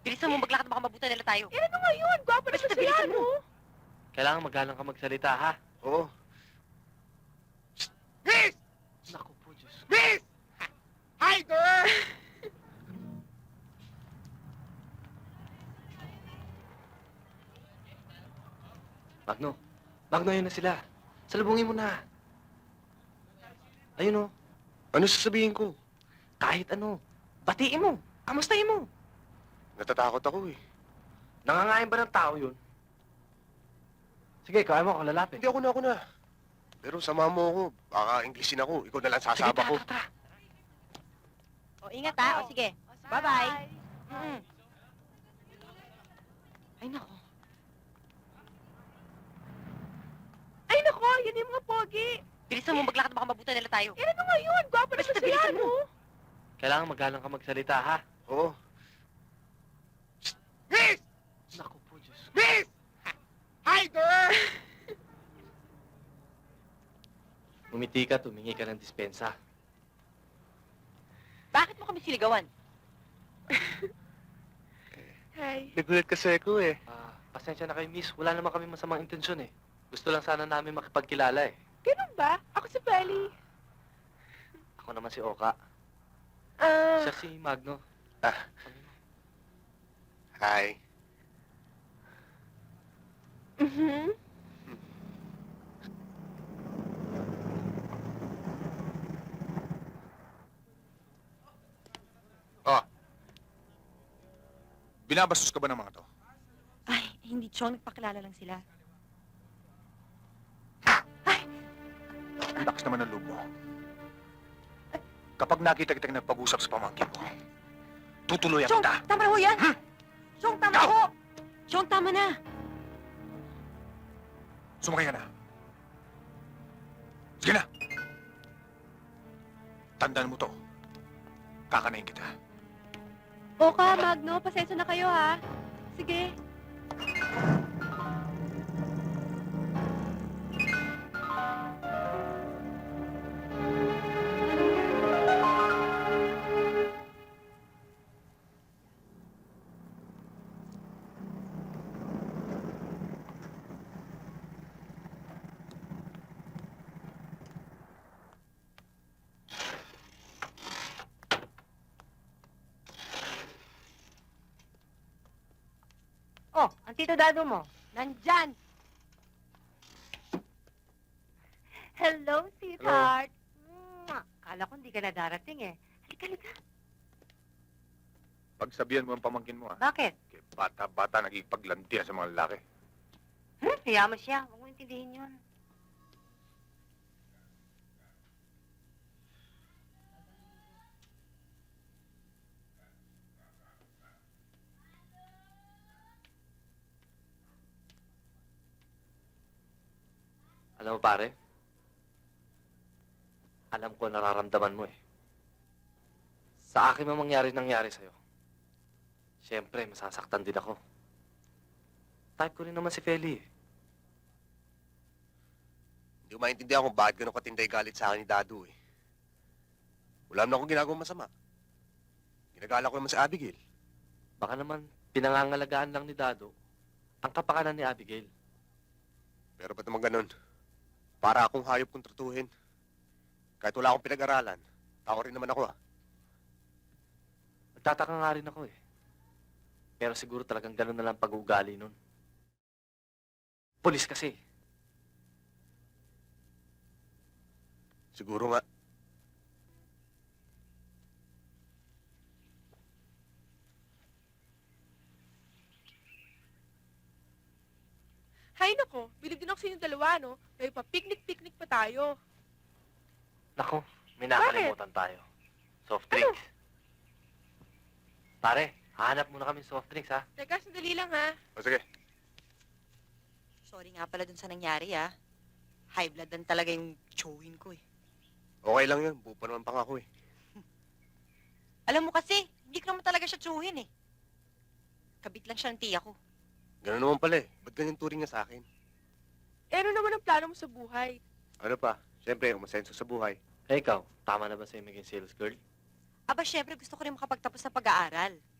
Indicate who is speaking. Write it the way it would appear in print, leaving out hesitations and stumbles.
Speaker 1: Bilisan mo maglakad, baka mabutan nila tayo.
Speaker 2: Eh, ano nga yun? Gwapo naman
Speaker 1: Basta
Speaker 2: sila,
Speaker 1: bilisan mo.
Speaker 2: no?
Speaker 3: Kailangan magalang ka magsalita, ha?
Speaker 4: Oo. Miss!
Speaker 3: Naku po, Diyos.
Speaker 4: Miss! Hi, girl!
Speaker 3: Magno. Magno, ayun na sila. Salubungin mo na. Ayun, oh.
Speaker 4: Ano sasabihin ko?
Speaker 3: Kahit ano. Batiin mo. Kamustahin mo.
Speaker 4: Natatakot ako eh.
Speaker 3: Nangangain ba ng tao yun? Sige, kaya mo ako lalapit.
Speaker 4: Hindi, ako na. Pero sama mo ako. Baka Englishin ako. Ikaw na lang
Speaker 3: Sige,
Speaker 4: sasaba ko.
Speaker 3: tara.
Speaker 1: O, ingat ha. O, sige. Bye-bye. Ay, nako.
Speaker 2: Ay, nako, yun yung mga pogi.
Speaker 1: Bilisan mo maglakad, baka mabutan nila tayo.
Speaker 2: Eh, ano nga yun? Gwapo naman
Speaker 1: Basta
Speaker 2: sila,
Speaker 1: bilisan mo.
Speaker 2: no?
Speaker 3: Kailangan magalang ka magsalita, ha?
Speaker 4: Oo. Miss!
Speaker 3: Naku po, Diyos.
Speaker 4: Miss! Hi, girl!
Speaker 3: Umiti ka, tumingi ka ng dispensa.
Speaker 1: Bakit mo kami siligawan?
Speaker 2: Hi.
Speaker 4: Nagulat kasi ako eh.
Speaker 3: Pasensya na kayo, miss. Wala naman kami masamang intensyon, eh. Gusto lang sana namin makipagkilala, eh.
Speaker 2: Ganun ba? Ako si Feli.
Speaker 3: Ako naman si Oka. Siya si Magno.
Speaker 4: Hi.
Speaker 2: Mhm.
Speaker 5: Oh. Binabastos ka ba ng mga to?
Speaker 1: Ay, hindi, Chong. Nagpakilala lang sila.
Speaker 5: Ang lakas naman ng loob mo. Kapag nakita kitang nagpag-usap sa pamangkin mo, tutuloy
Speaker 1: Chong,
Speaker 5: kita.
Speaker 1: tama na ho yan! Chong, tama na
Speaker 5: Ikaw!
Speaker 1: ho! Chong, tama na!
Speaker 5: Sumakay ka na. Sige na. Tandaan mo to. Kakanain kita.
Speaker 2: Oka, Magno, pasensya na kayo, ha? Sige.
Speaker 1: Oh, ang tito dado mo. Nandyan! Hello, sweetheart. Mwah! Kala ko hindi ka na darating eh. Halika.
Speaker 5: Pagsabihan mo ang pamangkin mo, ha?
Speaker 1: Bakit?
Speaker 5: Kaya bata-bata nagipaglantian sa mga lalaki.
Speaker 1: Kaya mo siya. Huwag mo intindihin yun.
Speaker 3: Alam mo, pare? Alam ko nararamdaman mo, eh. Sa akin man nangyari sa'yo. Siyempre, masasaktan din ako. Type ko rin naman si Feli, eh.
Speaker 4: Hindi ko maintindihan kung bakit ganun katinday galit sa akin ni Dado eh. Wala naman akong ginagawang masama. Ginagala ko naman si Abigail.
Speaker 3: Baka naman pinangangalagaan lang ni Dado ang kapakanan ni Abigail.
Speaker 4: Pero ba't naman ganun? Para akong hayop kong tratuhin. Kahit wala akong pinag-aralan, tao rin naman ako ah.
Speaker 3: Nagtataka nga rin ako, eh. Pero siguro talagang ganun na lang pag-uugali nun. Pulis kasi.
Speaker 4: Siguro nga.
Speaker 2: Hay nako, bilib din ako sa inyong dalawa, no? May pa-picnic-picnic pa tayo.
Speaker 3: Nako, may nakalimutan tayo. Soft drinks. Pare, hahanap muna kami soft drinks, ha?
Speaker 2: Teka, sandali lang, ha?
Speaker 5: O sige.
Speaker 1: Sorry nga pala dun sa nangyari, ah. High blood lang talaga yung chowin ko, eh.
Speaker 4: Okay lang yun. Buo pa naman pang ako eh.
Speaker 1: Alam mo kasi, hindi ko naman talaga siya chowin, eh. Kabit lang siya ng tiya ko.
Speaker 4: Ganun naman pala eh. Ba't ganyan turing niya sa akin?
Speaker 2: Eh, ano naman ang plano mo sa buhay?
Speaker 4: Ano pa? Siyempre, umasenso sa buhay.
Speaker 3: Eh, ikaw, tama na ba sa'yo maging sales girl?
Speaker 1: Aba, syempre gusto ko rin makapagtapos sa pag-aaral.